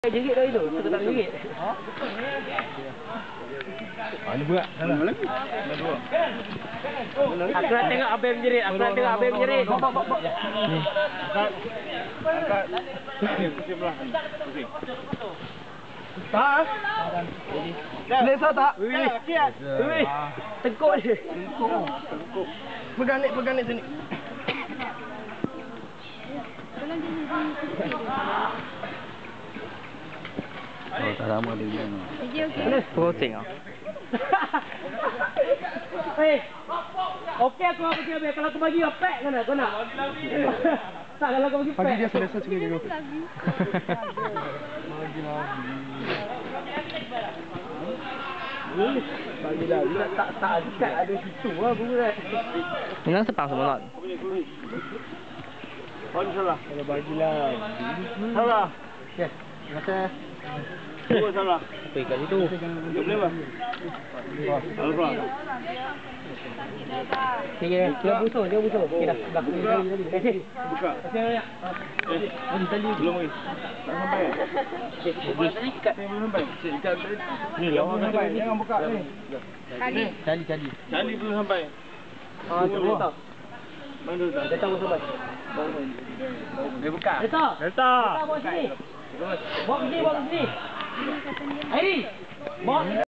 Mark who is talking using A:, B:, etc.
A: RM1 dah itu, RM1.
B: Ini buat. Sana lagi.
A: Aku nak tengok Abang menjerit. Bawa.
B: Ni. Angkat. Pusing belah. Pusing. Tak. Selesa tak? Siap.
A: Tengkuk dia.
B: Tengkuk. Pegang ni sini. Oh, tak lama dia bilang.
A: Posting ah. Okey aku bagi Abang. Kalau aku bagi pack kan kau nak? Tak, kalau aku bagi pack.
B: Bagi dia selesa sikit dulu. Bagi lagi. Tak dekat ada situ lah buat.
A: Memang sepang semua lot.
B: Oh, salah. Kalau bagilah. Salah. Okey. Terima kasih. Dua salah.
A: Apa ikat situ?
B: Tak boleh bah. Alfa.
A: Okey, dia busuk. Okey dah. Kasih.
B: Buka.
A: Kasih banyak.
B: Belum lagi. Tak sampai.
A: Boleh tadi ikat.
B: Belum sampai. Ikat. Ni lah. Jangan buka ni. Cali. Cali belum sampai.
A: Tunggu tak.
B: Mana dah?
A: Dia tahu sampai.
B: Dia buka.
A: Delta. Bawa sini. Bawa sini. Airi. Bawa